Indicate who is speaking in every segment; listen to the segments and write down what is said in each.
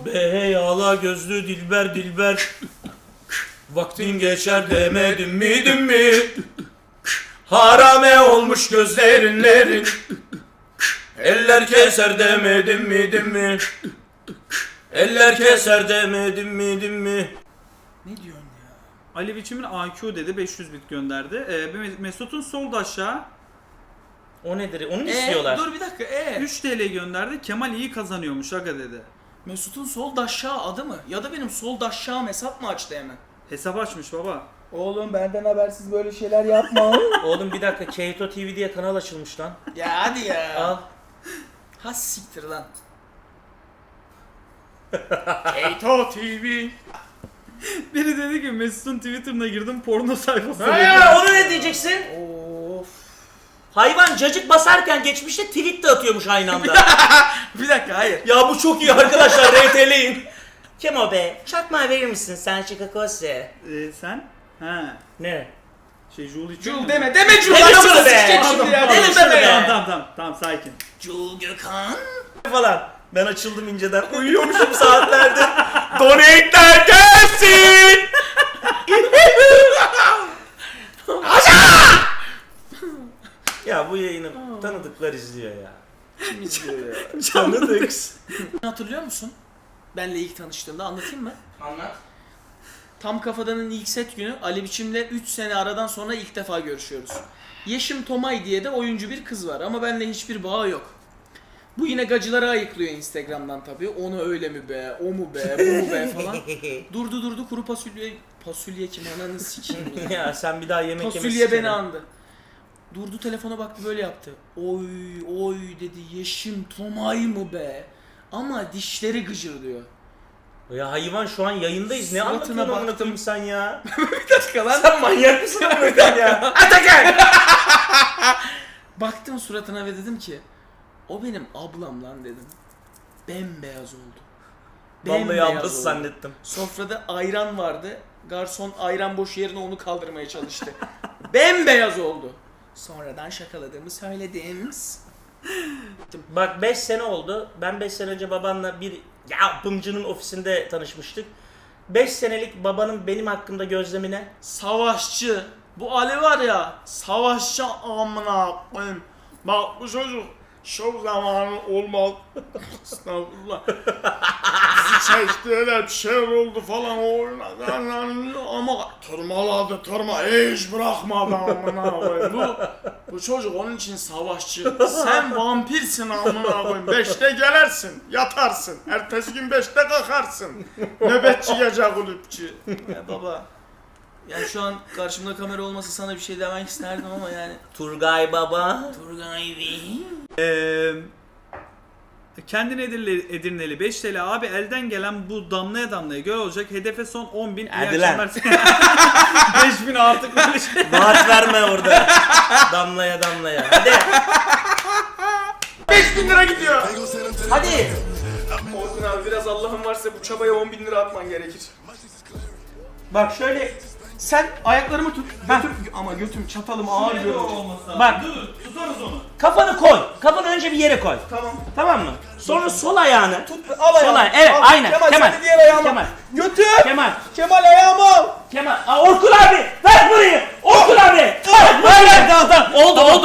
Speaker 1: Bey ala gözlü dilber dilber. Vaktin geçer demedim mi? Harame olmuş gözlerinlerin. Eller keser demedim mi? Eller keser demedim mi?
Speaker 2: Ne diyorsun ya?
Speaker 3: Ali Biçim'in AQ dedi 500 bit gönderdi. Mesut'un solda aşağı
Speaker 1: O nedir? Onu mu istiyorlar?
Speaker 2: Dur bir dakika.
Speaker 3: 3 TL gönderdi. Kemal iyi kazanıyormuş aga dedi.
Speaker 2: Mesut'un sol daşşağı adı mı? Ya da benim sol daşşağım hesap mı açtı hemen?
Speaker 3: Hesap açmış baba.
Speaker 2: Oğlum benden habersiz böyle şeyler yapma.
Speaker 1: Oğlum bir dakika, Keito TV diye kanal açılmış lan.
Speaker 2: Ya hadi ya.
Speaker 1: Al.
Speaker 2: Ha siktir lan. Keito TV.
Speaker 3: Biri dedi ki Mesut'un Twitter'ına girdim porno sayfası.
Speaker 1: Onu ne diyeceksin?
Speaker 2: Of.
Speaker 1: Hayvan cacık basarken geçmişte tweet de atıyormuş aynı anda.
Speaker 2: Bir dakika hayır.
Speaker 1: Ya bu çok iyi arkadaşlar, RT'leyin. Kemo be, çakma verir misin sen Chicago'se?
Speaker 3: Sen? Ha.
Speaker 1: Ne?
Speaker 3: Jul içiyor
Speaker 2: Jul
Speaker 3: mu?
Speaker 2: deme
Speaker 1: Deme
Speaker 2: Jul.
Speaker 1: şunu be.
Speaker 2: Sikecek şimdi ya.
Speaker 1: Deme şunu be.
Speaker 3: Tamam sakin.
Speaker 2: Jul Gökhan.
Speaker 1: Falan. Ben açıldım inceden. Uyuyormuşum saatlerdir. Donate'ler gelsin. Ya bu yayını tanıdıklar izliyor ya.
Speaker 2: Kim izliyor ya?
Speaker 1: Tanıdık.
Speaker 2: Hatırlıyor musun? Benle ilk tanıştığımda anlatayım mı?
Speaker 1: Anlat.
Speaker 2: Tam Kafadan'ın ilk set günü Ali Biçim'le 3 sene aradan sonra ilk defa görüşüyoruz. Yeşim Tomay diye de oyuncu bir kız var ama benimle hiçbir bağı yok. Bu yine gacıları ayıklıyor Instagram'dan tabii. Onu öyle mi be, o mu be, bu mu be falan. Durdu kuru fasulye kim ananı sikeyim ya.
Speaker 1: Ya sen bir daha yemek yemesi.
Speaker 2: Fasulye beni andı. Durdu telefona baktı böyle yaptı. Oy dedi Yeşim Tomay mı be? Ama dişleri gıcırdıyor.
Speaker 1: Ya hayvan şu an yayındayız. Ne
Speaker 2: Suratına
Speaker 1: anlatıyorsun amına
Speaker 2: baktım.
Speaker 1: koyayım sen ya?
Speaker 2: Bir dakika lan.
Speaker 1: Sen manyak mısın amına koyayım ya? Atakan!
Speaker 2: Baktım suratına ve dedim ki o benim ablam lan dedim. Bembeyaz oldu.
Speaker 1: Vallahi ablası
Speaker 2: oldu.
Speaker 1: zannettim.
Speaker 2: Sofrada ayran vardı. Garson ayran boş yerine onu kaldırmaya çalıştı. Bembeyaz oldu. Sonradan şakaladığımı söyledim.
Speaker 1: Bak 5 sene oldu. Ben 5 sene önce babanla bir yapımcının ofisinde tanışmıştık. 5 senelik babanın benim hakkımda gözlemi ne?
Speaker 2: Savaşçı. Bu Ali var ya, savaşçı amına koyayım. Bak bu çocuk şov zamanı olmaz. Estağfurullah. Bizi çektiler, bir şeyler oldu falan oynadı ama tırmaladı, hiç bırakmadı amına koyayım. Bu çocuk onun için savaşçı. Sen vampirsin amına koyayım. 5'te gelersin, yatarsın. Ertesi gün 5'te kalkarsın. Nöbetçi gece kulüpçü. Ya baba. Yani şu an karşımda kamera olmasa sana bir şey demek isterdim ama yani.
Speaker 1: Turgay baba.
Speaker 2: Turgay Bey.
Speaker 3: Kendine Edirneli 5 TL abi elden gelen bu damlaya damlaya göl olacak. Hedefe son 10.000.
Speaker 1: Hadi lan.
Speaker 3: 5.000 artık böyle şey.
Speaker 1: Vaat verme orada. Damlaya. Hadi.
Speaker 2: 5.000 lira gidiyor.
Speaker 1: Hadi.
Speaker 2: Orkun abi biraz Allah'ın varsa bu çabaya 10.000 lira atman gerekir.
Speaker 1: Bak şöyle.
Speaker 2: Sen ayaklarımı tut. Ama götüm çatalım ağır görünce.
Speaker 1: Bak.
Speaker 3: Tutarız onu.
Speaker 1: Kafanı koy. Kafanı önce bir yere koy.
Speaker 2: Tamam.
Speaker 1: Tamam mı? Sonra sol ayağını.
Speaker 2: Tut al ayağımı.
Speaker 1: Sol ayağı. Evet
Speaker 2: Al.
Speaker 1: aynen.
Speaker 2: Kemal,
Speaker 1: Kemal.
Speaker 2: sen de diğer ayağımı.
Speaker 1: Kemal.
Speaker 2: Götür.
Speaker 1: Kemal.
Speaker 2: Ayağımı al.
Speaker 1: Kemal. Aa, Orkun abi. Ver burayı. Orkun abi. Ver burayı. Tamam.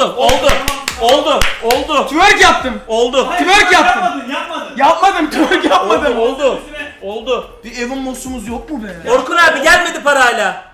Speaker 1: Oldu.
Speaker 2: Twerk yaptım.
Speaker 1: Oldu.
Speaker 2: Twerk yaptım.
Speaker 3: Yapmadın.
Speaker 2: Twerk yapmadım.
Speaker 1: Oldu.
Speaker 2: Bir evin mossumuz yok mu be?
Speaker 1: Orkun abi gelmedi parayla.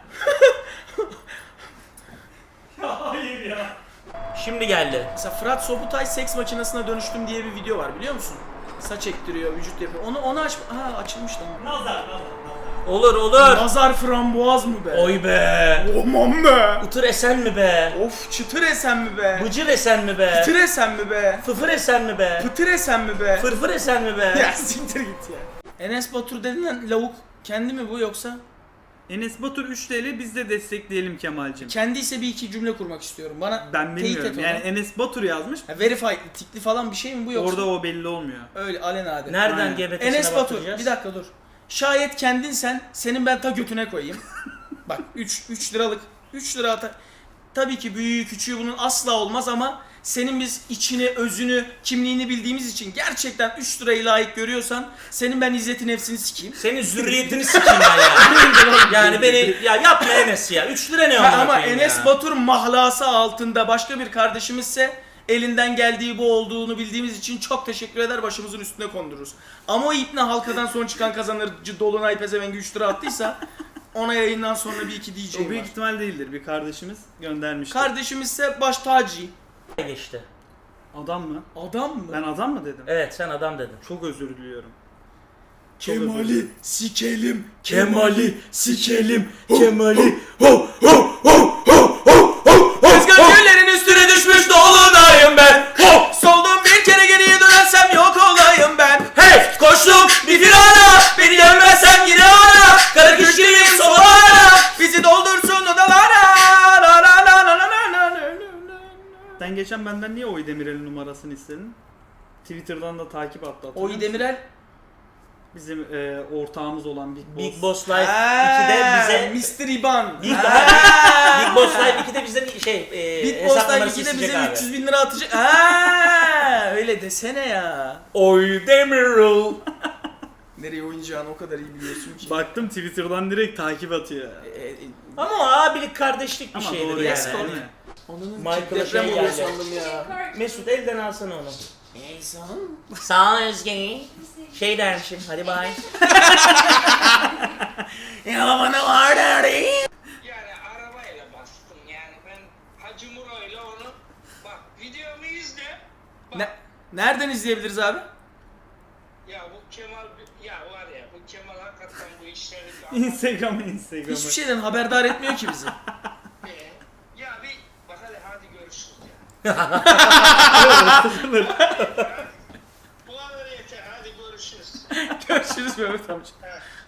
Speaker 3: Hayır ya.
Speaker 1: Şimdi geldi.
Speaker 2: Mesela Fırat Sobutay seks makinesine dönüştüm diye bir video var biliyor musun? Saç ektiriyor, vücut yapıyor. Onu aç. Ha açılmış tamam.
Speaker 3: Nazar.
Speaker 1: Olur.
Speaker 2: Nazar frambuaz mı be?
Speaker 1: Oy be.
Speaker 2: Aman be.
Speaker 1: Utır esen mi be?
Speaker 2: Of çıtır esen mi be?
Speaker 1: Bıcır esen mi be?
Speaker 2: Pıtır esen mi be?
Speaker 1: Fıfır esen mi be?
Speaker 2: Pıtır esen mi be?
Speaker 1: Fırfır esen mi be?
Speaker 2: Ya siktir git ya. Enes Batur denilen lavuk kendi mi bu yoksa?
Speaker 3: Enes Batur 3 TL biz de destekleyelim Kemal'cim.
Speaker 2: Kendiyse bir iki cümle kurmak istiyorum. Bana
Speaker 3: Ben
Speaker 2: teyit
Speaker 3: bilmiyorum.
Speaker 2: et
Speaker 3: Yani
Speaker 2: onu.
Speaker 3: Enes Batur yazmış.
Speaker 2: Verified, tikli falan bir şey mi bu yoksa?
Speaker 3: Orada o belli olmuyor.
Speaker 2: Öyle alenade.
Speaker 1: Nereden
Speaker 3: Aynen.
Speaker 1: GBT'sine
Speaker 2: Enes Batur
Speaker 1: bakacağız?
Speaker 2: bir dakika dur. Şayet kendinsen senin ben ta götüne koyayım. Bak 3 liralık 3 lira tabii ki büyüğü küçüğü bunun asla olmaz ama senin biz içini, özünü, kimliğini bildiğimiz için gerçekten 3 lirayı layık görüyorsan senin ben izzeti nefsini sikeyim.
Speaker 1: Senin zürriyetini sikeyim ben ya. Yani beni ya yapma Enes ya. 3 lira ne amına
Speaker 2: Ama
Speaker 1: koyayım
Speaker 2: Enes
Speaker 1: ya.
Speaker 2: Batur mahlası altında başka bir kardeşimizse elinden geldiği bu olduğunu bildiğimiz için çok teşekkür eder, başımızın üstüne kondururuz. Ama o ipne halkadan son çıkan kazanırcı Dolunay Pezevengi 3 lira attıysa ona yayından sonra bir iki
Speaker 3: O
Speaker 2: diyeceğim
Speaker 3: büyük
Speaker 2: var.
Speaker 3: ihtimal değildir. Bir kardeşimiz göndermişti.
Speaker 2: Kardeşimizse baş tacı.
Speaker 1: Geçti.
Speaker 3: Adam mı?
Speaker 2: Adam mı?
Speaker 3: Ben adam mı dedim?
Speaker 1: Evet sen adam dedin.
Speaker 3: Çok özür diliyorum.
Speaker 2: Kemal'i sikelim.
Speaker 1: Kemal'i sikelim. Kemal'i ho
Speaker 2: Rüzgar güllerin üstüne düşmüş dolunayım ben.
Speaker 1: ho.
Speaker 2: Soldum bir kere geriye dönersem yok olayım ben.
Speaker 1: Hey koştum bir firana. Beni dönmezsem yine ara. Kara kış gibiyim sobalara.
Speaker 2: Bizi doldursun odalara.
Speaker 3: Sen geçen benden niye Oy Demirel'in numarasını istedin? Twitter'dan da takip attı. hatırlıyor
Speaker 2: Oy
Speaker 3: musun?
Speaker 2: Demirel.
Speaker 3: Bizim ortağımız olan Big Boss.
Speaker 1: Big Boss Life 2'de bize
Speaker 2: Mr. İban.
Speaker 1: Big Boss Life 2'de bize
Speaker 2: Big
Speaker 1: hesap
Speaker 2: Boss Live
Speaker 1: numarası
Speaker 2: 2'de
Speaker 1: isteyecek
Speaker 2: bize
Speaker 1: abi.
Speaker 2: 300 bin lira atacak. Aa, öyle desene ya.
Speaker 1: Oy Demirel.
Speaker 2: Nereye oynayacağını o kadar iyi biliyorsun ki.
Speaker 3: Baktım Twitter'dan direkt takip atıyor.
Speaker 1: Ama o abilik kardeşlik bir
Speaker 3: Ama
Speaker 1: şeydir
Speaker 3: doğru
Speaker 1: yani.
Speaker 3: yani.
Speaker 2: Onun-
Speaker 3: değil mi?
Speaker 2: Onun
Speaker 1: Michael'a
Speaker 2: deprem
Speaker 1: şey
Speaker 2: oluyor
Speaker 1: geldi.
Speaker 2: sandım ya.
Speaker 1: Mesut elden alsana onu.
Speaker 2: Neyse.
Speaker 1: Sağ ol Özge. Şey dermişim hadi bay.
Speaker 2: Ya bana var derdi.
Speaker 4: Yani arabayla bastım yani ben Hacı Muro'yla onu bak videomu izle bak
Speaker 2: Nereden izleyebiliriz abi?
Speaker 4: ya bu Kemal ya var ya bu Kemal hakikaten bu işleri
Speaker 3: Instagram'ı.
Speaker 2: Hiçbir şeyden haberdar etmiyor ki bizi.
Speaker 4: ya bir bak hadi görüşürüz ya. Bu kadar yeter hadi görüşürüz.
Speaker 2: Görüşürüz Mehmet amca.
Speaker 4: Ha.